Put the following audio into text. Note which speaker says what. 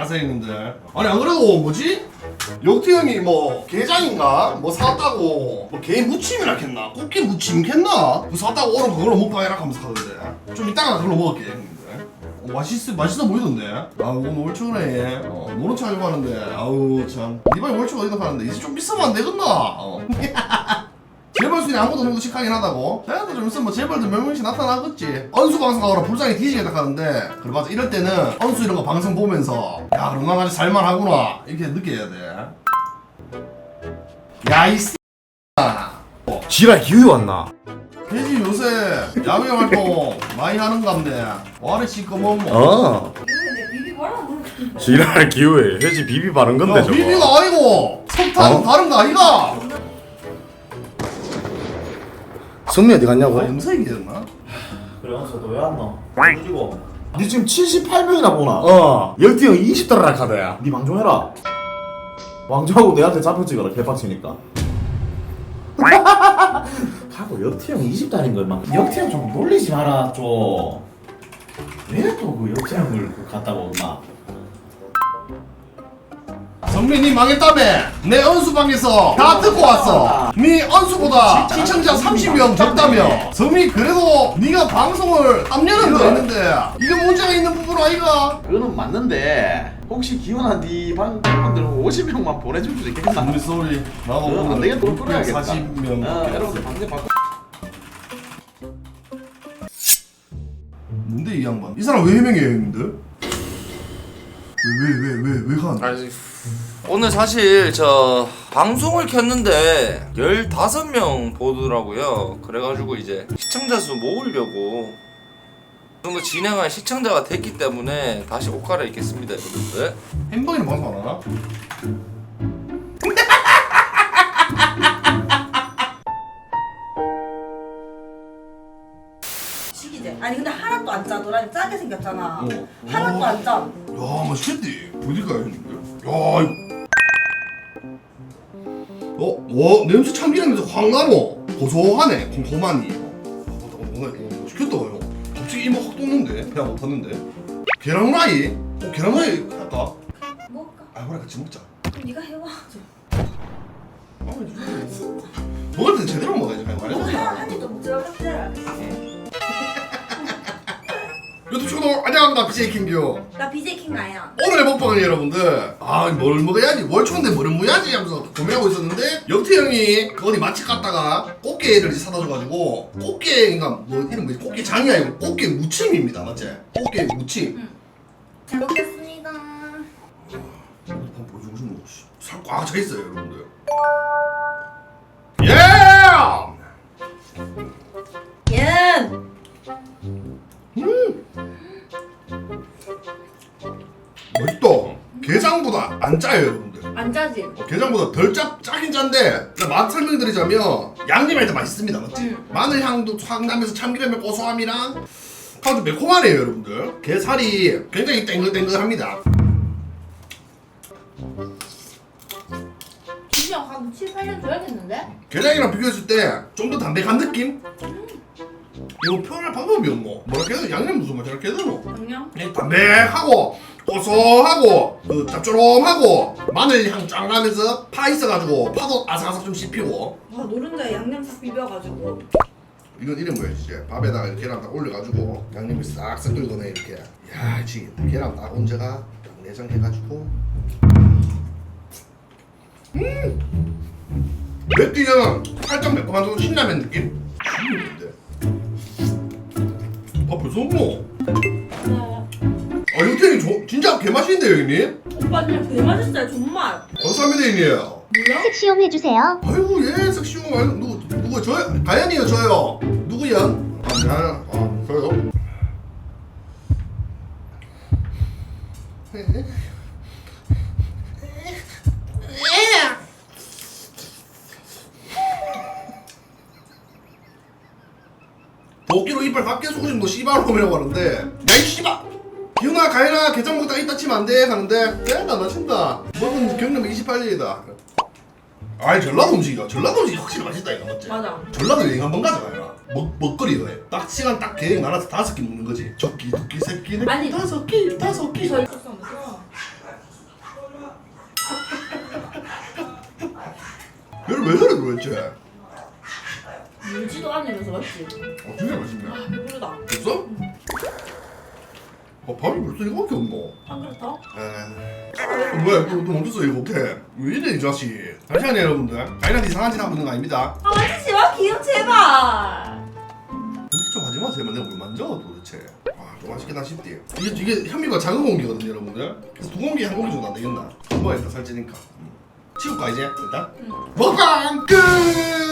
Speaker 1: 안녕하세요 형님들. 아니 안 그래도 뭐지? 영태 형이 뭐 게장인가? 뭐 사왔다고 뭐 게 무침이라 했나? 꽃게 무침 했나? 그 사왔다고 오늘 그걸로 먹방해라 하면서 하던데 좀 이따가 그걸로 먹을게 형님들. 맛있어 보이던데? 아우 오늘 월초네. 모른 척 하려고 하는데 아우 참 이번에 월초가 어디다 파는데 이제 좀 비싸면 안 되겠나? 재벌 순위 아무도 정도 식하긴 하다고? 그래도 좀 있으면 뭐 재벌들 몇 명씩 나타나겠지. 언수 방송하러 불쌍히 뒤지겠다 하는데 그래 맞아 이럴 때는 언수 이런 거 방송 보면서 야 그럼 나같이 살만하구나 이렇게 느껴야 돼. 야 이
Speaker 2: 지랄 기운이 왔나?
Speaker 1: 돼지 요새 야외 활동 많이 하는갑네. 와래 시꺼먼 뭐.
Speaker 2: 어
Speaker 3: 근데 비비 뭐라 그러는
Speaker 2: 지랄 기후에 회지 비비 바른 건데 저거
Speaker 1: 비비가 아니고 석탄은 다른 거 아이가?
Speaker 2: 성미 어디 갔냐고?
Speaker 1: 염색이었나?
Speaker 4: 그래 어서 왜 왔노? 그리고
Speaker 2: 니 지금 78명이나 보나? 열띠 형 20달러 카드야
Speaker 4: 니 방종해라. 왕조하고 내한테 잡혀 찍어라 개빡치니까. 하고 역태형 20달인 걸 막. 역태형 좀 놀리지 마라 좀. 왜 또 그 역태형을 갖다가 온나?
Speaker 1: 성민이 망했다며. 내 언수방에서 다 듣고 왔어. 네 언수보다 시청자 30명 적다며. 성민이 그래도 네가 방송을 3년은 더 했는데 이게 문제가 있는 부분 아이가?
Speaker 4: 그거는 맞는데 혹시 기훈아 니 방송분들은 50명만 보내줄 수 있겠나?
Speaker 1: 우리 쏘리 나도
Speaker 4: 안 되겠다. 돈 끊어야겠다.
Speaker 1: 40명
Speaker 4: 여러분들 방송 바꿔.
Speaker 1: 뭔데 이 양반? 이 사람 왜 해명해요 형님들? 왜 간?
Speaker 5: 아니, 오늘 사실 저 방송을 켰는데 15명 보더라고요. 그래가지고 이제 시청자 수 모으려고 그 정도 진행할 시청자가 됐기 때문에 다시 옷 갈아입겠습니다 여러분들.
Speaker 1: 햄버거는 방송 안 하나?
Speaker 3: 식이제. 아니 근데 하나도 안 짜. 너랑 짜게 생겼잖아.
Speaker 1: 어.
Speaker 3: 하나도 안 짜.
Speaker 1: 야 맛있겠지? 보니까요 형님들. 야 이거. 와 냄새 참기름에서 확 나노. 고소하네 콤콤하니. 맞다 맛있겠다 형. 갑자기 이모 확 돋는데 배가 고팠는데. 계란 후라이? 계란 후라이 할까?
Speaker 3: 먹을까?
Speaker 1: 아 그래 같이 먹자.
Speaker 3: 그럼 네가 해와.
Speaker 1: 아 진짜. 먹을 때 제대로 먹어야지 그냥
Speaker 3: 너가
Speaker 1: 말이야.
Speaker 3: 한 입도 먹지 말고 한 알겠어.
Speaker 1: 유튜브 채널 안녕합니다 BJ 킹규.
Speaker 3: 나 BJ 킹 아야.
Speaker 1: 오늘의 먹방은 여러분들 뭘 먹어야지 월초인데 뭐를 먹어야지 하면서 고민하고 있었는데 영태 형이 그 어디 맛집 갔다가 꽃게를 사다 줘가지고 꽃게인가 뭐 이름 뭐지 꽃게 장이 아니고 꽃게 무침입니다 맞지? 꽃게 무침.
Speaker 3: 잘 먹겠습니다.
Speaker 1: 한번 보여주고 싶은 거 살 꽉 차 있어요 여러분들. 예!
Speaker 3: 옌.
Speaker 1: 맛있다. 게장보다 안 짜요 여러분들.
Speaker 3: 안 짜지?
Speaker 1: 게장보다 덜 짜긴 짠데 맛 설명드리자면 양념이 더 맛있습니다 맞지? 마늘 향도 확 나면서 참기름의 고소함이랑 아주 매콤하네요 여러분들. 게살이 굉장히 땡글땡글합니다.
Speaker 3: 진짜 한 7, 8년 줘야겠는데?
Speaker 1: 게장이랑 비교했을 때 좀 더 담백한 느낌? 이거 표현할 방법이 없노? 뭐라 해야 되나? 양념 무슨 맛이라 해야 되노?
Speaker 3: 양념?
Speaker 1: 그냥 담백하고 고소하고 그 짭조름하고 마늘 향 쫙 나면서 파 있어가지고 파도 아삭아삭 좀 씹히고.
Speaker 3: 와 노른자에 양념 싹 비벼가지고.
Speaker 1: 이건 이름 뭐야 이제 밥에다가 계란 딱 올려가지고 양념이 싹싹 끓거네 이렇게. 야 지금 계란 딱 얹어가 딱 내장 해가지고. 맵기는 살짝 매콤한 좀 신라면 느낌? 죽이는데. 아 벌써 먹노? 아 형태님 진짜 개맛있는데요 형님?
Speaker 3: 오빠 그냥 개 맛있어요 정말.
Speaker 1: 감사합니다 형님.
Speaker 3: 뭐야?
Speaker 6: 섹시용 해주세요.
Speaker 1: 아이고 예 섹시용 아이고 누구 저요? 가연이요 저요. 누구야? 저요. 도끼로 이빨 밖에 속으신 거 씨발놈이라고 하는데 야이 씨발 기훈아 가연아 게장 먹다 이따 치면 안돼 하는데 쎄나 나 친다. 먹은 경력 28년이다. 아이 전라도 음식이야. 전라도 음식이 확실히 맛있다 이거 맞지?
Speaker 3: 맞아.
Speaker 1: 전라도 여행 한번 가자 가연아. 먹거리 그래. 딱 시간 딱 계획 나눠서 5끼 먹는 거지. 적끼 두끼 세끼
Speaker 3: 아니.
Speaker 1: 5끼 5끼.
Speaker 3: 저 있었어.
Speaker 1: 얘를 왜 저래 도대체?
Speaker 3: 물지도 않으면서 맞지?
Speaker 1: 진짜 맛있네.
Speaker 3: 배부르다.
Speaker 1: 됐어? 밥이 벌써 이거밖에 없노?
Speaker 3: 한 그릇 더?
Speaker 1: 뭐야 또 멈췄어 이거 어떡해 왜 이래 이 자식 잠시만요 여러분들 자이한테 이상한 짓 하고 있는 거 아닙니다
Speaker 3: 아 만지지 마 기억 제발.
Speaker 1: 그렇게 좀 하지마 제발 내가 뭘 만져 도대체 좀 맛있겠다 싶디 이게 현미가 작은 공기거든요 여러분들 그래서 두 공기 한 공기 정도 안 되겠나? 먹어야겠다 살찌니까 치울까 이제 일단? 먹방 끝!